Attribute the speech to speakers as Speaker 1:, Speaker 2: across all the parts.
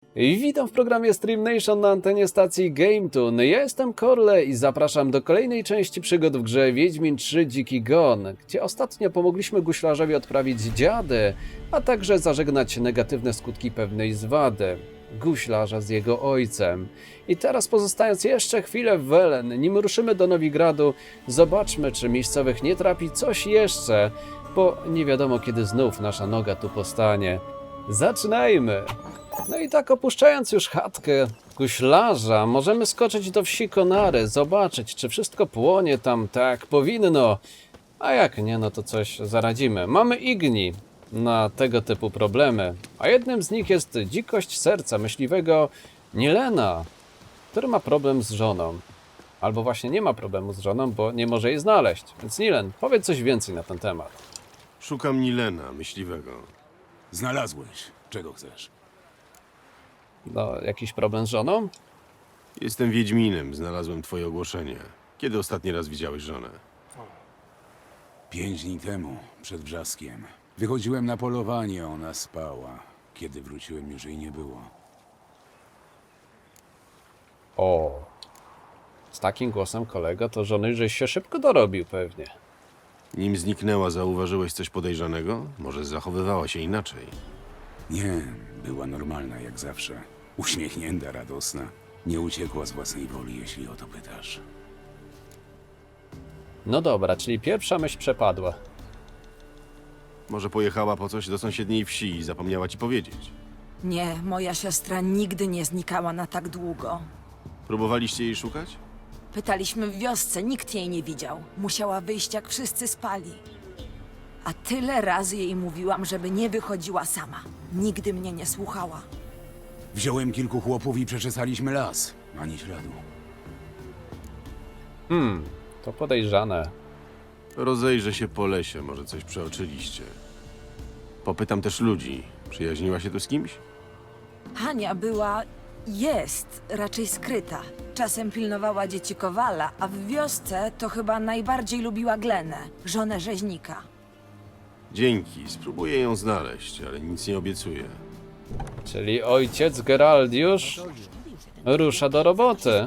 Speaker 1: Witam w programie Stream Nation na antenie stacji GameToon. Ja jestem Korle i zapraszam do kolejnej części przygód w grze Wiedźmin 3 Dziki Gon, gdzie ostatnio pomogliśmy guślarzowi odprawić dziady, a także zażegnać negatywne skutki pewnej zwady guślarza z jego ojcem. I teraz, pozostając jeszcze chwilę w Welen, nim ruszymy do Nowigradu, zobaczmy, czy miejscowych nie trapi coś jeszcze, bo nie wiadomo, kiedy znów nasza noga tu postanie. Zaczynajmy! No i tak, opuszczając już chatkę guślarza, możemy skoczyć do wsi Konary, zobaczyć, czy wszystko płonie tam tak jak powinno, a jak nie, no to coś zaradzimy. Mamy Igni na tego typu problemy, a jednym z nich jest dzikość serca myśliwego Nilena, który ma problem z żoną. Albo właśnie nie ma problemu z żoną, bo nie może jej znaleźć. Więc Nilen, powiedz coś więcej na ten temat.
Speaker 2: Szukam Nilena, myśliwego.
Speaker 3: Znalazłeś. Czego chcesz?
Speaker 1: No, jakiś problem z żoną?
Speaker 2: Jestem Wiedźminem, znalazłem twoje ogłoszenie. Kiedy ostatni raz widziałeś żonę?
Speaker 3: 5 dni temu, przed wrzaskiem. Wychodziłem na polowanie, ona spała. Kiedy wróciłem, już jej nie było.
Speaker 1: O, z takim głosem kolego to żony żeś się szybko dorobił pewnie.
Speaker 2: Nim zniknęła, zauważyłeś coś podejrzanego? Może zachowywała się inaczej?
Speaker 3: Nie, była normalna jak zawsze. Uśmiechnięta, radosna. Nie uciekła z własnej woli, jeśli o to pytasz.
Speaker 1: No dobra, czyli pierwsza myśl przepadła.
Speaker 2: Może pojechała po coś do sąsiedniej wsi i zapomniała ci powiedzieć?
Speaker 4: Nie, moja siostra nigdy nie znikała na tak długo.
Speaker 2: Próbowaliście jej szukać?
Speaker 4: Pytaliśmy w wiosce, nikt jej nie widział. Musiała wyjść, jak wszyscy spali. A tyle razy jej mówiłam, żeby nie wychodziła sama. Nigdy mnie nie słuchała.
Speaker 3: Wziąłem kilku chłopów i przeczesaliśmy las. Ani śladu.
Speaker 1: To podejrzane.
Speaker 2: Rozejrzę się po lesie, może coś przeoczyliście. Popytam też ludzi. Przyjaźniła się tu z kimś?
Speaker 4: Jest raczej skryta. Czasem pilnowała dzieci Kowala, a w wiosce to chyba najbardziej lubiła Glenę, żonę rzeźnika.
Speaker 2: Dzięki, spróbuję ją znaleźć, ale nic nie obiecuję.
Speaker 1: Czyli ojciec Geraldiusz rusza do roboty.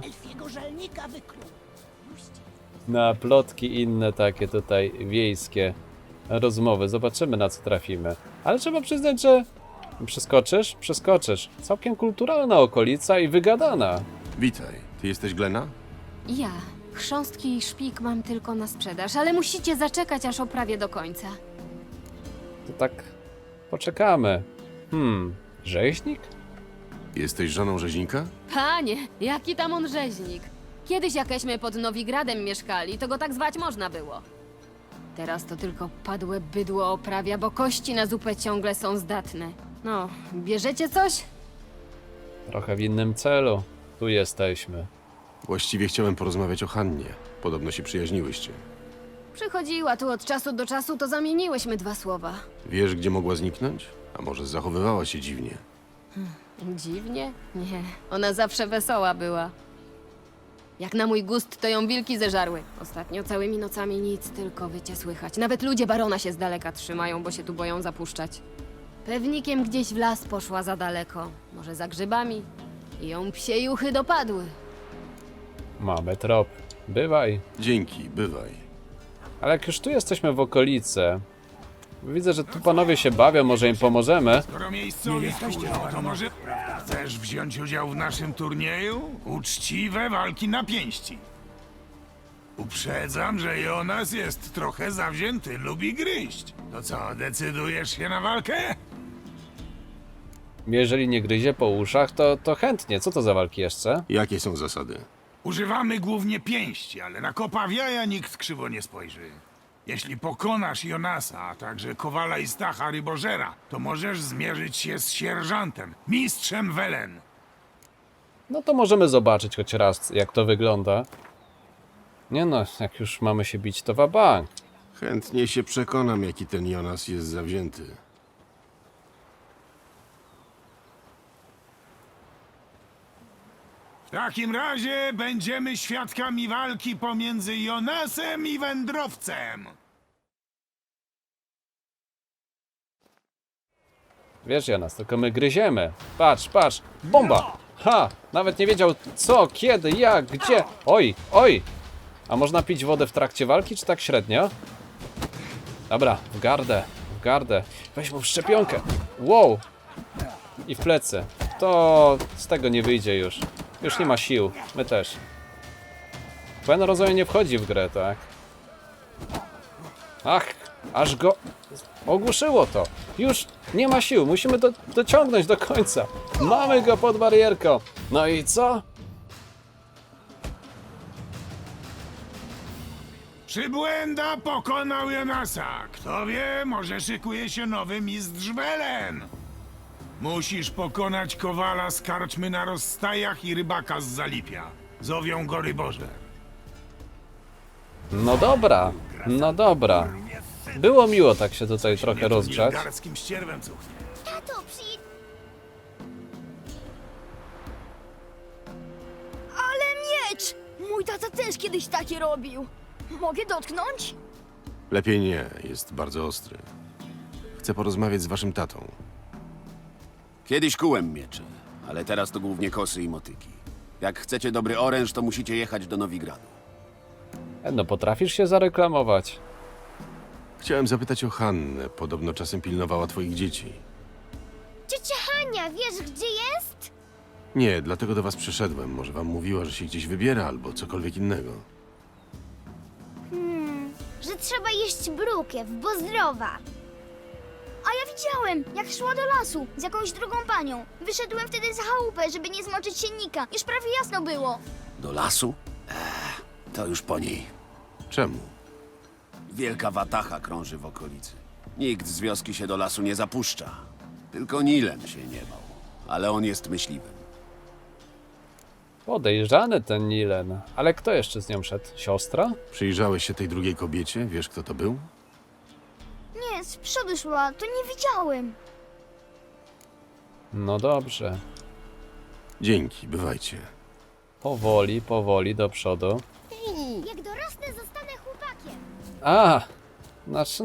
Speaker 1: Na plotki i inne takie tutaj wiejskie rozmowy. Zobaczymy, na co trafimy. Ale trzeba przyznać, że przeskoczysz? Przeskoczysz. Całkiem kulturalna okolica i wygadana.
Speaker 2: Witaj, ty jesteś Glena?
Speaker 5: Ja. Chrząstki i szpik mam tylko na sprzedaż, ale musicie zaczekać, aż oprawię do końca.
Speaker 1: To tak poczekamy. Rzeźnik?
Speaker 2: Jesteś żoną rzeźnika?
Speaker 5: Panie, jaki tam on rzeźnik. Kiedyś jakeśmy pod Nowigradem mieszkali, to go tak zwać można było. Teraz to tylko padłe bydło oprawia, bo kości na zupę ciągle są zdatne. No, bierzecie coś?
Speaker 1: Trochę w innym celu. Tu jesteśmy.
Speaker 2: Właściwie chciałem porozmawiać o Hannie. Podobno się przyjaźniłyście.
Speaker 5: Przychodziła tu od czasu do czasu, to zamieniłyśmy dwa słowa.
Speaker 2: Wiesz, gdzie mogła zniknąć? A może zachowywała się dziwnie?
Speaker 5: Dziwnie? Nie, ona zawsze wesoła była. Jak na mój gust, to ją wilki zeżarły. Ostatnio całymi nocami nic, tylko wycie słychać. Nawet ludzie barona się z daleka trzymają, bo się tu boją zapuszczać. Pewnikiem gdzieś w las poszła za daleko. Może za grzybami. I ją psie juchy dopadły.
Speaker 1: Mamy trop. Bywaj.
Speaker 2: Dzięki, bywaj.
Speaker 1: Ale jak już tu jesteśmy w okolicy, widzę, że tu panowie się bawią, może im pomożemy.
Speaker 6: Skoro miejscowi wkurzą, to może chcesz wziąć udział w naszym turnieju? Uczciwe walki na pięści. Uprzedzam, że Jonas jest trochę zawzięty, lubi gryźć. To co, decydujesz się na walkę?
Speaker 1: Jeżeli nie gryzie po uszach, to chętnie. Co to za walki jeszcze?
Speaker 2: Jakie są zasady?
Speaker 6: Używamy głównie pięści, ale na kopa w jaja nikt krzywo nie spojrzy. Jeśli pokonasz Jonasa, a także Kowala i Stacha Rybożera, to możesz zmierzyć się z sierżantem, mistrzem Welen.
Speaker 1: No to możemy zobaczyć choć raz, jak to wygląda. Nie no, jak już mamy się bić, to wabank.
Speaker 2: Chętnie się przekonam, jaki ten Jonas jest zawzięty.
Speaker 6: W takim razie będziemy świadkami walki pomiędzy Jonasem i wędrowcem.
Speaker 1: Wiesz, Jonas, tylko my gryziemy. Patrz, patrz, bomba! Ha! Nawet nie wiedział co, kiedy, jak, gdzie. Oj, oj! A można pić wodę w trakcie walki, czy tak średnio? Dobra, w gardę, w gardę. Weź mu w szczepionkę. Wow! I w plecy. To z tego nie wyjdzie już. Już nie ma sił. My też. Gwen rozumiem nie wchodzi w grę, tak? Ach, aż go ogłuszyło to. Już nie ma sił. Musimy dociągnąć do końca. Mamy go pod barierką. No i co?
Speaker 6: Przybłęda pokonał Jonasa. Kto wie, może szykuje się nowy mistrz Welen. Musisz pokonać kowala z karczmy na rozstajach i rybaka z Zalipia. Zowią go Rybożer.
Speaker 1: No dobra, no dobra. Było miło tak się tutaj trochę
Speaker 6: Nie to
Speaker 1: rozgrzać.
Speaker 6: nilgarskim ścierwem cuchnie.
Speaker 7: Tato, Ale miecz! Mój tata też kiedyś takie robił. Mogę dotknąć?
Speaker 2: Lepiej nie, jest bardzo ostry. Chcę porozmawiać z waszym tatą.
Speaker 3: Kiedyś kułem miecze, ale teraz to głównie kosy i motyki. Jak chcecie dobry oręż, to musicie jechać do Nowigradu.
Speaker 1: No potrafisz się zareklamować.
Speaker 2: Chciałem zapytać o Hannę. Podobno czasem pilnowała twoich dzieci.
Speaker 7: Ciocia Hania, wiesz gdzie jest?
Speaker 2: Nie, dlatego do was przyszedłem. Może wam mówiła, że się gdzieś wybiera albo cokolwiek innego.
Speaker 7: Że trzeba jeść brukiew, bo zdrowa. A ja widziałem, jak szła do lasu z jakąś drugą panią. Wyszedłem wtedy za chałupę, żeby nie zmoczyć siennika. Już prawie jasno było.
Speaker 3: Do lasu? To już po niej.
Speaker 2: Czemu?
Speaker 3: Wielka watacha krąży w okolicy. Nikt z wioski się do lasu nie zapuszcza. Tylko Nilen się nie bał. Ale on jest myśliwym.
Speaker 1: Podejrzany ten Nilen. Ale kto jeszcze z nią szedł? Siostra?
Speaker 2: Przyjrzałeś się tej drugiej kobiecie? Wiesz, kto to był?
Speaker 7: Nie, z przodu szła, to nie widziałem.
Speaker 1: No dobrze.
Speaker 2: Dzięki, bywajcie.
Speaker 1: Powoli, powoli do przodu.
Speaker 7: Jak dorosnę, zostanę chłopakiem.
Speaker 1: A! Znaczy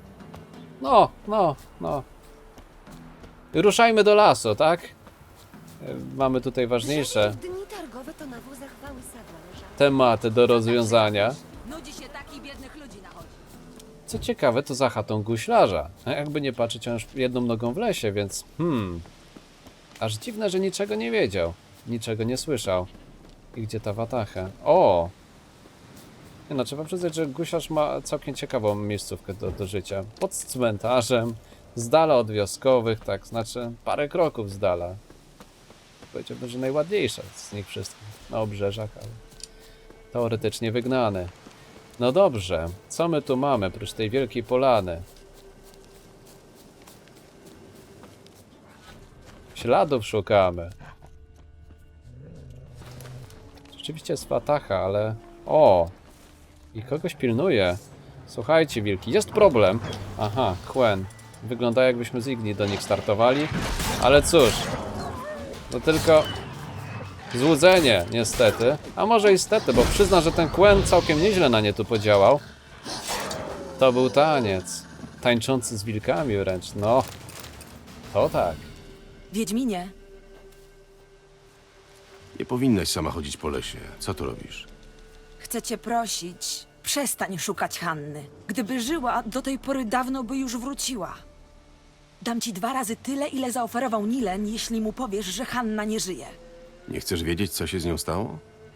Speaker 1: no. Ruszajmy do lasu, tak? Mamy tutaj ważniejsze
Speaker 5: Dni targowe to na wózach wały sadła leżały.
Speaker 1: tematy do rozwiązania.
Speaker 4: Nudzi się takich biednych ludzi na chodzi.
Speaker 1: Co ciekawe, to za chatą guślarza. A jakby nie patrzeć, on już jedną nogą w lesie, więc aż dziwne, że niczego nie wiedział. Niczego nie słyszał. I gdzie ta watacha? O! Nie no, trzeba przyznać, że guślarz ma całkiem ciekawą miejscówkę do życia. Pod cmentarzem, z dala od wioskowych, tak, znaczy parę kroków z dala. Powiedziałbym, że najładniejsza z nich wszystkich. Na obrzeżach, ale teoretycznie wygnany. No dobrze, co my tu mamy, oprócz tej wielkiej polany? Śladów szukamy. Rzeczywiście jest watacha, ale... O! I kogoś pilnuje. Słuchajcie, wilki, jest problem. Aha, Gwen. Wygląda jakbyśmy z Igni do nich startowali. Ale cóż. To tylko... złudzenie, niestety. A może i stety, bo przyzna, że ten Gwen całkiem nieźle na nie tu podziałał. To był taniec. Tańczący z wilkami wręcz, no. To tak.
Speaker 4: Wiedźminie,
Speaker 2: Nie powinnaś sama chodzić po lesie. Co tu robisz?
Speaker 4: chcę cię prosić, przestań szukać Hanny. Gdyby żyła, do tej pory dawno by już wróciła. Dam ci 2 razy tyle, ile zaoferował Nilen, jeśli mu powiesz, że Hanna nie żyje.
Speaker 2: Nie chcesz wiedzieć, co się z nią stało?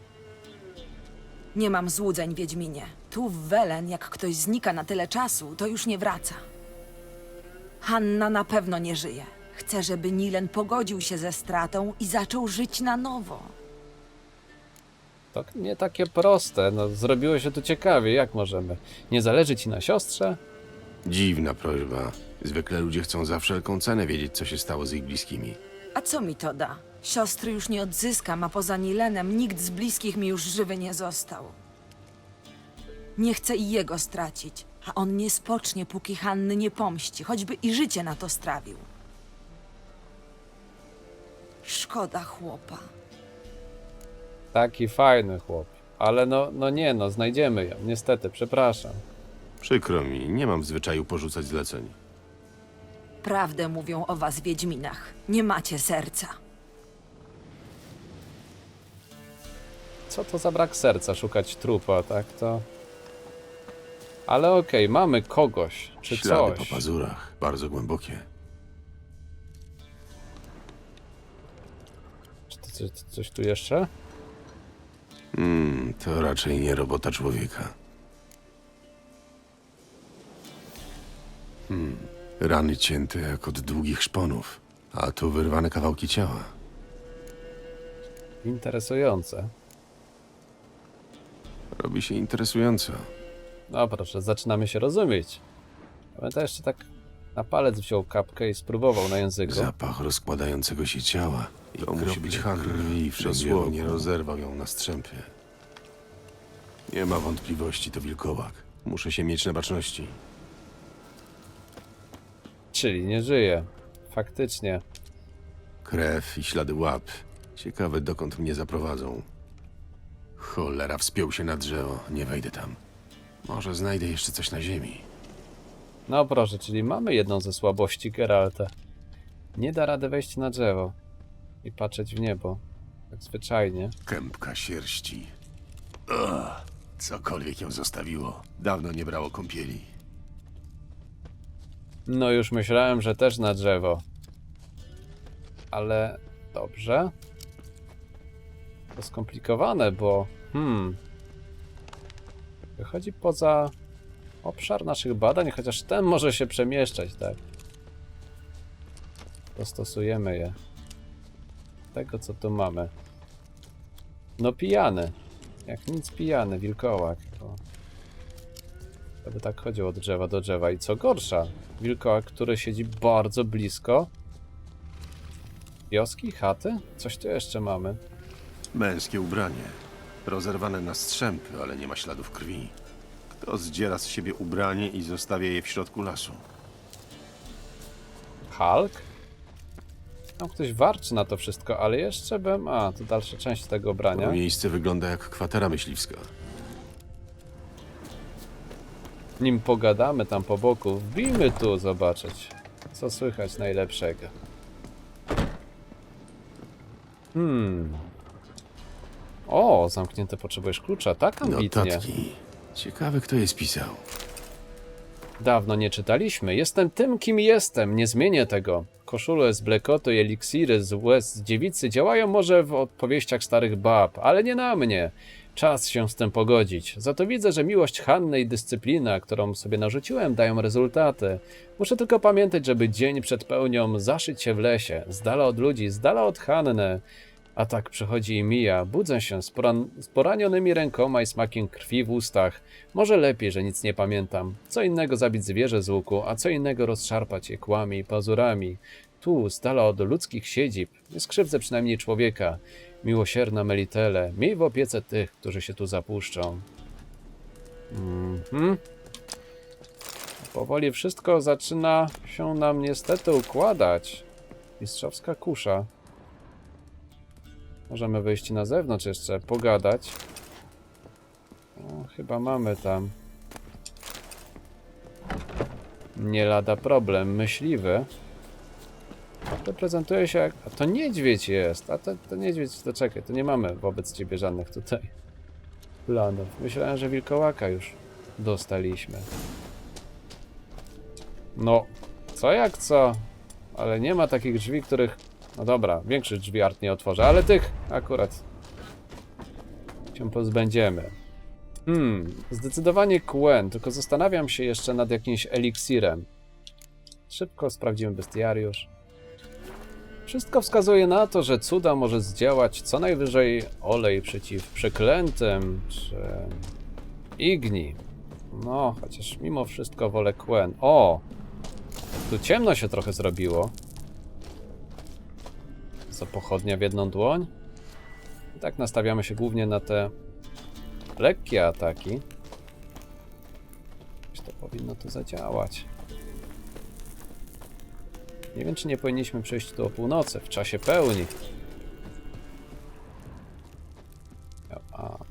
Speaker 4: Nie mam złudzeń, Wiedźminie. Tu w Welen, jak ktoś znika na tyle czasu, to już nie wraca. Hanna na pewno nie żyje. Chcę, żeby Nilen pogodził się ze stratą i zaczął żyć na nowo.
Speaker 1: To nie takie proste, no zrobiło się tu ciekawie, jak możemy? Nie zależy ci na siostrze?
Speaker 2: Dziwna prośba. Zwykle ludzie chcą za wszelką cenę wiedzieć, co się stało z ich bliskimi.
Speaker 4: A co mi to da? Siostry już nie odzyskam, a poza Nilenem nikt z bliskich mi już żywy nie został. Nie chcę i jego stracić, a on nie spocznie, póki Hanny nie pomści, choćby i życie na to strawił. Szkoda chłopa.
Speaker 1: Taki fajny chłop. Ale no, znajdziemy ją, niestety, przepraszam.
Speaker 2: Przykro mi, nie mam w zwyczaju porzucać zleceń.
Speaker 4: Prawdę mówią o was, wiedźminach. Nie macie serca.
Speaker 1: Co to za brak serca szukać trupa, tak? To... Ale okej, mamy kogoś, czy
Speaker 2: Ślady
Speaker 1: coś.
Speaker 2: po pazurach, bardzo głębokie.
Speaker 1: Czy to coś tu jeszcze?
Speaker 2: To raczej nie robota człowieka. Rany cięte jak od długich szponów, a tu wyrwane kawałki ciała.
Speaker 1: Interesujące.
Speaker 2: Robi się interesująco.
Speaker 1: No proszę, zaczynamy się rozumieć. Pamiętam, jeszcze tak na palec wziął kapkę i spróbował na języku.
Speaker 2: Zapach rozkładającego się ciała. I to musi być
Speaker 3: Han.
Speaker 2: krwi, dosłownie rozerwał ją na strzępy. Nie ma wątpliwości, to wilkołak. Muszę się mieć na baczności.
Speaker 1: Czyli nie żyje. Faktycznie.
Speaker 2: Krew i ślady łap. Ciekawe, dokąd mnie zaprowadzą. Cholera, wspiął się na drzewo. Nie wejdę tam. Może znajdę jeszcze coś na ziemi.
Speaker 1: No proszę, czyli mamy jedną ze słabości Geralta. Nie da rady wejść na drzewo i patrzeć w niebo. Tak zwyczajnie.
Speaker 2: Kępka sierści. Cokolwiek ją zostawiło. Dawno nie brało kąpieli.
Speaker 1: No już myślałem, że też na drzewo. Ale dobrze. To skomplikowane, bo... Wychodzi poza obszar naszych badań, chociaż ten może się przemieszczać, tak? Dostosujemy je. Tego, co tu mamy. No pijany. Jak nic pijany, wilkołak. To by tak chodził od drzewa do drzewa. I co gorsza, wilkołak, który siedzi bardzo blisko wioski, chaty? Coś tu jeszcze mamy.
Speaker 2: Męskie ubranie. Rozerwane na strzępy, ale nie ma śladów krwi. Kto zdziera z siebie ubranie i zostawia je w środku lasu?
Speaker 1: Hulk? Tam ktoś warczy na to wszystko, ale jeszcze bym... A, to dalsza część tego
Speaker 2: To
Speaker 1: ubrania.
Speaker 2: miejsce wygląda jak kwatera myśliwska.
Speaker 1: Nim pogadamy tam po boku, wbijmy tu zobaczyć, co słychać najlepszego. O, zamknięte, potrzebujesz klucza, tak ambitnie.
Speaker 2: Notatki. Ciekawe, kto je spisał.
Speaker 1: Dawno nie czytaliśmy. Jestem tym, kim jestem. Nie zmienię tego. Koszule z blekotu i eliksiry z łez dziewicy działają może w opowieściach starych bab, ale nie na mnie. Czas się z tym pogodzić. Za to widzę, że miłość Hanny i dyscyplina, którą sobie narzuciłem, dają rezultaty. Muszę tylko pamiętać, żeby dzień przed pełnią zaszyć się w lesie, z dala od ludzi, z dala od Hanny. A tak przychodzi i mija. Budzę się z poranionymi rękoma i smakiem krwi w ustach. Może lepiej, że nic nie pamiętam. Co innego zabić zwierzę z łuku, a co innego rozszarpać je kłami i pazurami. Tu, z dala od ludzkich siedzib, nie skrzywdzę przynajmniej człowieka. Miłosierna Melitele, miej w opiece tych, którzy się tu zapuszczą. Powoli wszystko zaczyna się nam niestety układać. Mistrzowska kusza. Możemy wyjść na zewnątrz jeszcze, pogadać. O, chyba mamy tam. Nie lada problem, myśliwy. To prezentuje się jak... A to niedźwiedź jest, a to niedźwiedź, to czekaj, to nie mamy wobec ciebie żadnych tutaj planów. Myślałem, że wilkołaka już dostaliśmy. No, co jak co, ale nie ma takich drzwi, których... No dobra, większych drzwi Art nie otworzę, ale tych akurat się pozbędziemy. Zdecydowanie Quen, tylko zastanawiam się jeszcze nad jakimś eliksirem. Szybko sprawdzimy bestiariusz. Wszystko wskazuje na to, że cuda może zdziałać co najwyżej olej przeciw przeklętym, czy igni. No, chociaż mimo wszystko wolę Quen. O! Tu ciemno się trochę zrobiło. Co, pochodnia w jedną dłoń? I tak nastawiamy się głównie na te lekkie ataki. To powinno tu zadziałać. Nie wiem, czy nie powinniśmy przejść tu o północy, w czasie pełni.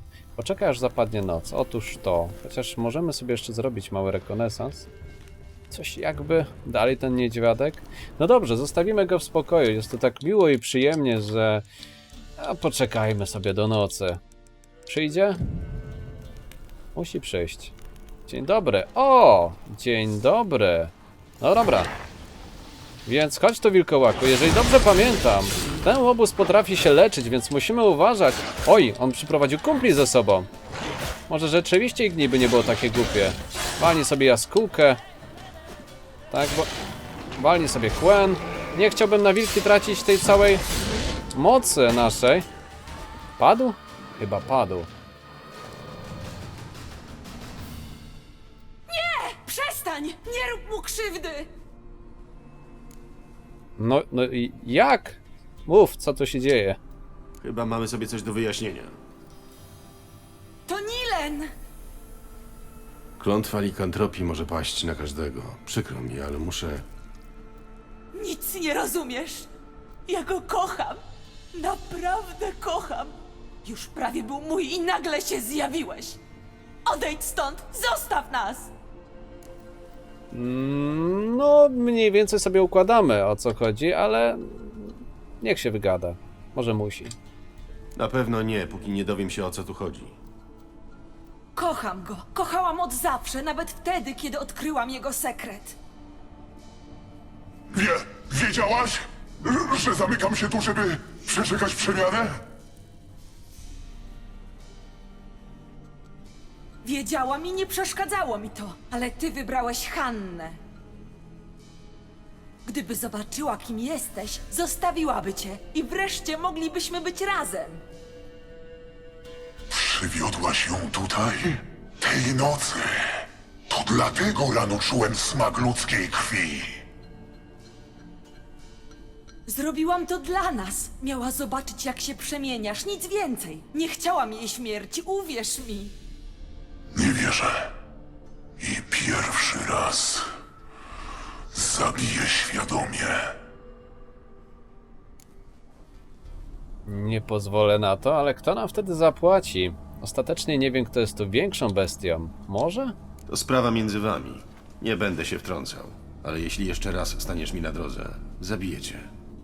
Speaker 1: Poczekaj, aż zapadnie noc. Otóż to. Chociaż możemy sobie jeszcze zrobić mały rekonesans. Coś jakby dalej ten niedźwiadek. No dobrze, zostawimy go w spokoju. Jest to tak miło i przyjemnie, że poczekajmy sobie do nocy. Przyjdzie? Musi przyjść. Dzień dobry. O! Dzień dobry. No dobra. Więc chodź tu, wilkołaku. Jeżeli dobrze pamiętam, ten łobuz potrafi się leczyć, więc musimy uważać. Oj, on przyprowadził kumpli ze sobą. Może rzeczywiście ich niby nie było takie głupie. Walnij sobie jaskółkę. Tak, bo... Walnij sobie kłen. Nie chciałbym na wilki tracić tej całej mocy naszej. Padł? Chyba padł.
Speaker 4: Przestań! Nie rób mu krzywdy!
Speaker 1: No i jak? Mów, co tu się dzieje?
Speaker 2: Chyba mamy sobie coś do wyjaśnienia.
Speaker 4: To Nilen!
Speaker 2: Klątwa likantropii może paść na każdego. Przykro mi, ale muszę...
Speaker 8: Nic nie rozumiesz. Ja go kocham. Naprawdę kocham. Już prawie był mój i nagle się zjawiłeś. Odejdź stąd! Zostaw nas!
Speaker 1: No, mniej więcej sobie układamy, o co chodzi, ale niech się wygada. Może musi.
Speaker 2: Na pewno nie, póki nie dowiem się, o co tu chodzi.
Speaker 8: Kocham go. Kochałam od zawsze, nawet wtedy, kiedy odkryłam jego sekret.
Speaker 9: Wiedziałaś, że zamykam się tu, żeby przeczekać przemianę?
Speaker 8: Wiedziałam i nie przeszkadzało mi to, ale ty wybrałeś Hannę. Gdyby zobaczyła, kim jesteś, zostawiłaby cię i wreszcie moglibyśmy być razem.
Speaker 9: Przywiodłaś ją tutaj? Tej nocy. To dlatego rano czułem smak ludzkiej krwi.
Speaker 8: Zrobiłam to dla nas. Miała zobaczyć, jak się przemieniasz, nic więcej. Nie chciałam jej śmierci, uwierz mi.
Speaker 9: Nie wierzę. I pierwszy raz zabiję świadomie.
Speaker 1: Nie pozwolę na to, ale kto nam wtedy zapłaci? Ostatecznie nie wiem, kto jest tu większą bestią. Może?
Speaker 2: To sprawa między wami. Nie będę się wtrącał. Ale jeśli jeszcze raz staniesz mi na drodze, zabiję cię.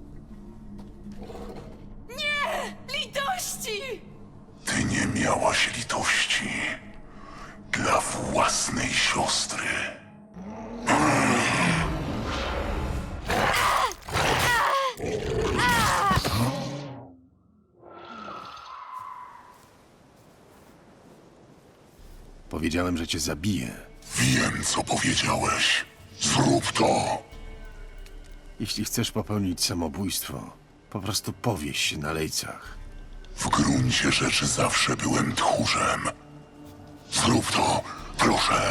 Speaker 8: Litości!
Speaker 9: Ty nie miałaś litości dla własnej siostry.
Speaker 2: Powiedziałem, że cię zabiję.
Speaker 9: Wiem, co powiedziałeś. Zrób to.
Speaker 2: Jeśli chcesz popełnić samobójstwo, po prostu powieś się na lejcach.
Speaker 9: W gruncie rzeczy zawsze byłem tchórzem. Zrób to, proszę.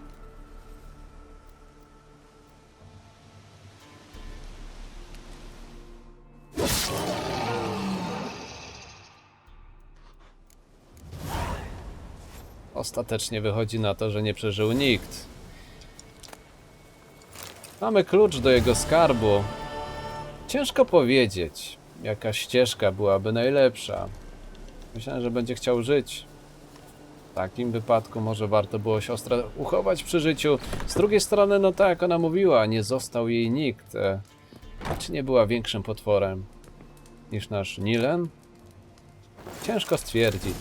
Speaker 1: Ostatecznie wychodzi na to, że nie przeżył nikt. Mamy klucz do jego skarbu. Ciężko powiedzieć, jaka ścieżka byłaby najlepsza. Myślałem, że będzie chciał żyć. W takim wypadku może warto było siostrę uchować przy życiu. Z drugiej strony, no tak jak ona mówiła, nie został jej nikt. Czy nie była większym potworem niż nasz Nilen? Ciężko stwierdzić.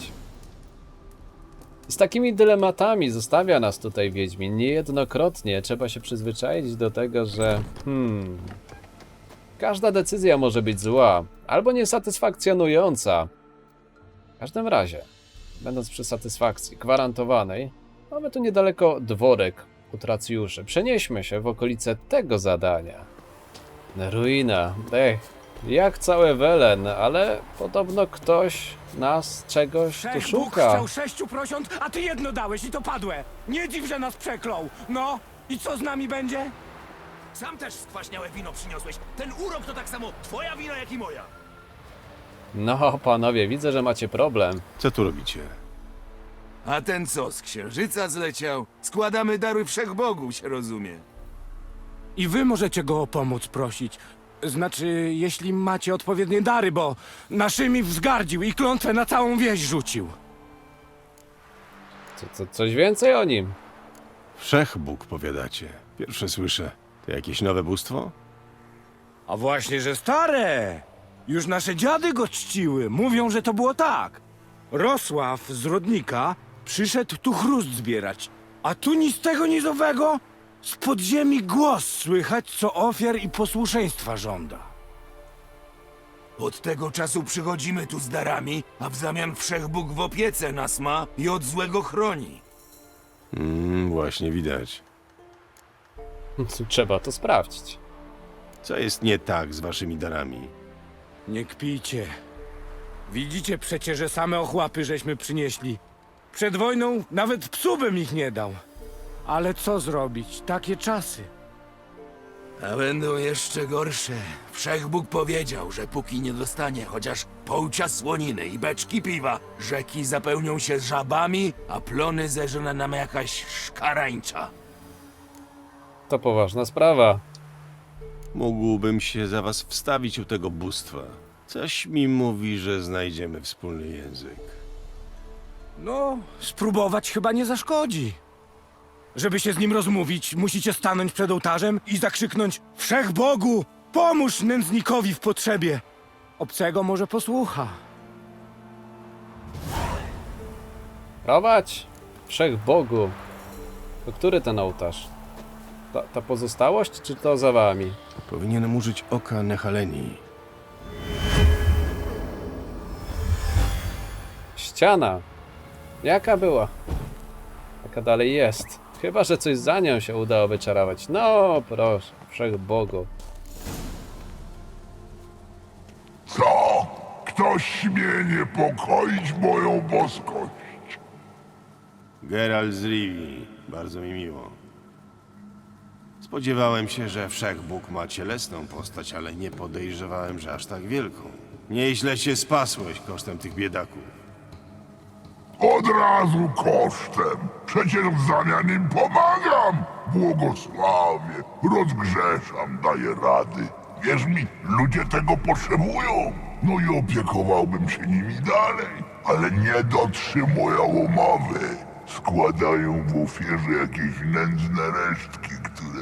Speaker 1: Z takimi dylematami zostawia nas tutaj Wiedźmin. Niejednokrotnie trzeba się przyzwyczaić do tego, że każda decyzja może być zła albo niesatysfakcjonująca. W każdym razie, będąc przy satysfakcji gwarantowanej, mamy tu niedaleko dworek utracjuszy. Przenieśmy się w okolice tego zadania. Ruina. Jak całe Welen, ale podobno ktoś nas czegoś tu
Speaker 10: Bóg
Speaker 1: szuka.
Speaker 10: chciał 6 prosiąt, a ty jedno dałeś i to padłe. Nie dziw, że nas przeklął. No, i co z nami będzie?
Speaker 11: Sam też skwaśniałe wino przyniosłeś. Ten urok to tak samo twoja wina, jak i moja.
Speaker 1: No, panowie, widzę, że macie problem.
Speaker 2: Co tu robicie?
Speaker 11: A ten co, z księżyca zleciał? Składamy dary wszechbogu, się rozumie.
Speaker 10: I wy możecie go o pomoc prosić. Znaczy, jeśli macie odpowiednie dary, bo naszymi wzgardził i klątwę na całą wieś rzucił.
Speaker 1: Coś więcej o nim?
Speaker 2: Wszechbóg, powiadacie. Pierwsze słyszę. To jakieś nowe bóstwo?
Speaker 10: A właśnie, że stare! Już nasze dziady go czciły. Mówią, że to było tak. Rosław z Rodnika przyszedł tu chrust zbierać, a tu ni z tego, ni z owego z podziemi głos słychać, co ofiar i posłuszeństwa żąda.
Speaker 11: Od tego czasu przychodzimy tu z darami, a w zamian Wszechbóg w opiece nas ma i od złego chroni.
Speaker 2: Właśnie widać.
Speaker 1: Trzeba to sprawdzić.
Speaker 2: Co jest nie tak z waszymi darami?
Speaker 10: Nie kpijcie. Widzicie przecie, że same ochłapy żeśmy przynieśli. Przed wojną nawet psu bym ich nie dał. Ale co zrobić? Takie czasy.
Speaker 11: A będą jeszcze gorsze. Wszechbóg powiedział, że póki nie dostanie chociaż połcia słoniny i beczki piwa, rzeki zapełnią się żabami, a plony zeżre nam jakaś szkarańcza.
Speaker 1: To poważna sprawa.
Speaker 2: Mógłbym się za was wstawić u tego bóstwa. Coś mi mówi, że znajdziemy wspólny język.
Speaker 10: No, spróbować chyba nie zaszkodzi. Żeby się z nim rozmówić, musicie stanąć przed ołtarzem i zakrzyknąć: Wszechbogu, pomóż nędznikowi w potrzebie. Obcego może posłucha.
Speaker 1: Prowadź! Wszechbogu. To który ten ołtarz? Ta pozostałość, czy to za wami?
Speaker 2: Powinienem użyć oka Nehaleni.
Speaker 1: Ściana. Jaka była? Taka dalej jest. Chyba że coś za nią się udało wyczarować. No proszę, Wszechbogu.
Speaker 9: Co? Ktoś śmie niepokoić moją boskość?
Speaker 2: Geralt z Rivii. Bardzo mi miło. Spodziewałem się, że Wszechbóg ma cielesną postać, ale nie podejrzewałem, że aż tak wielką. Nieźle się spasłeś kosztem tych biedaków.
Speaker 9: Od razu kosztem. Przecież w zamian im pomagam. Błogosławię, rozgrzeszam, daję rady. Wierz mi, ludzie tego potrzebują. No i opiekowałbym się nimi dalej, ale nie dotrzymują umowy. Składają w ofierze jakieś nędzne resztki,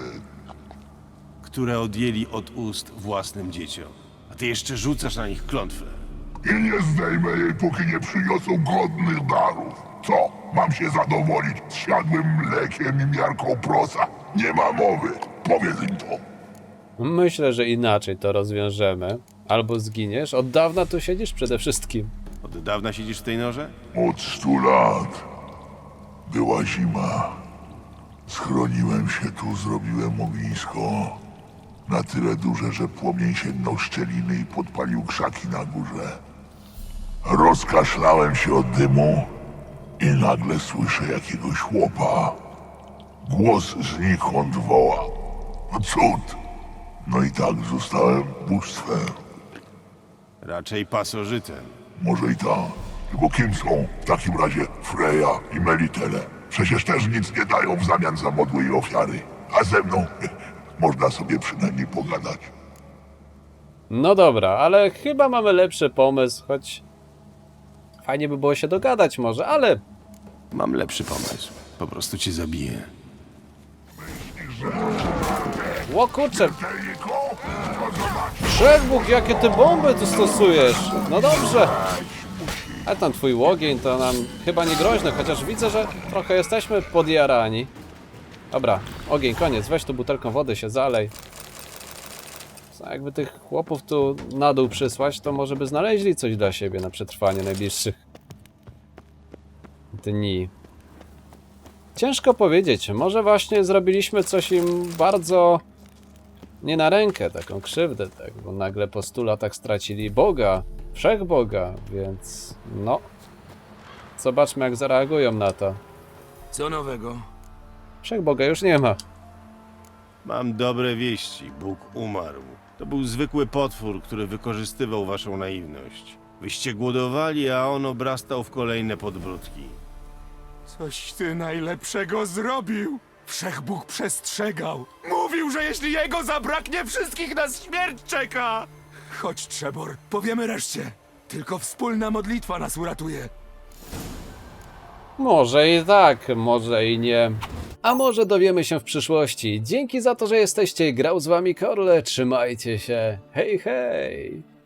Speaker 2: Które odjęli od ust własnym dzieciom. A ty jeszcze rzucasz na nich klątwę.
Speaker 9: I nie zdejmę jej, póki nie przyniosą godnych darów. Co? Mam się zadowolić z siadłym mlekiem i miarką prosa? Nie ma mowy. Powiedz im to.
Speaker 1: Myślę, że inaczej to rozwiążemy. Albo zginiesz. Od dawna tu siedzisz przede wszystkim.
Speaker 2: Od dawna siedzisz w tej norze?
Speaker 9: Od 100 lat. Była zima. Schroniłem się tu, zrobiłem ognisko. Na tyle duże, że płomień sięgnął szczeliny i podpalił krzaki na górze. Rozkaszlałem się od dymu i nagle słyszę jakiegoś chłopa. Głos znikąd woła. No cud! No i tak zostałem bóstwem.
Speaker 2: Raczej pasożytem.
Speaker 9: Może i tak. Tylko kim są w takim razie Freja i Melitele? Przecież też nic nie dają w zamian za modły i ofiary. A ze mną można sobie przynajmniej pogadać.
Speaker 1: No dobra, ale chyba mamy lepszy pomysł, choć fajnie by było się dogadać może, ale
Speaker 2: Mam lepszy pomysł. Po prostu cię zabiję.
Speaker 1: ło kurczę,
Speaker 9: Tylko to zobacz.
Speaker 1: Wszechbóg, jakie ty bomby tu stosujesz? No dobrze. A tam twój łogień to nam chyba nie groźny, chociaż widzę, że trochę jesteśmy podjarani. Dobra, ogień, koniec, weź tu butelką wody się zalej. Jakby tych chłopów tu na dół przysłać, to może by znaleźli coś dla siebie na przetrwanie najbliższych dni. Ciężko powiedzieć, może właśnie zrobiliśmy coś im bardzo nie na rękę, taką krzywdę, tak, bo nagle po 100 latach stracili Boga, Wszechboga, więc no, zobaczmy jak zareagują na to.
Speaker 11: Co nowego?
Speaker 1: Wszechboga już nie ma.
Speaker 2: Mam dobre wieści. Bóg umarł. To był zwykły potwór, który wykorzystywał waszą naiwność. Wyście głodowali, a on obrastał w kolejne podbródki.
Speaker 10: Coś ty najlepszego zrobił. Wszechbóg przestrzegał. Mówił, że jeśli jego zabraknie, wszystkich nas śmierć czeka. Chodź, Trzebor, powiemy reszcie. Tylko wspólna modlitwa nas uratuje.
Speaker 1: Może i tak, może i nie. A może dowiemy się w przyszłości. Dzięki za to, że jesteście. Grał z wami Korle. Trzymajcie się. Hej, hej!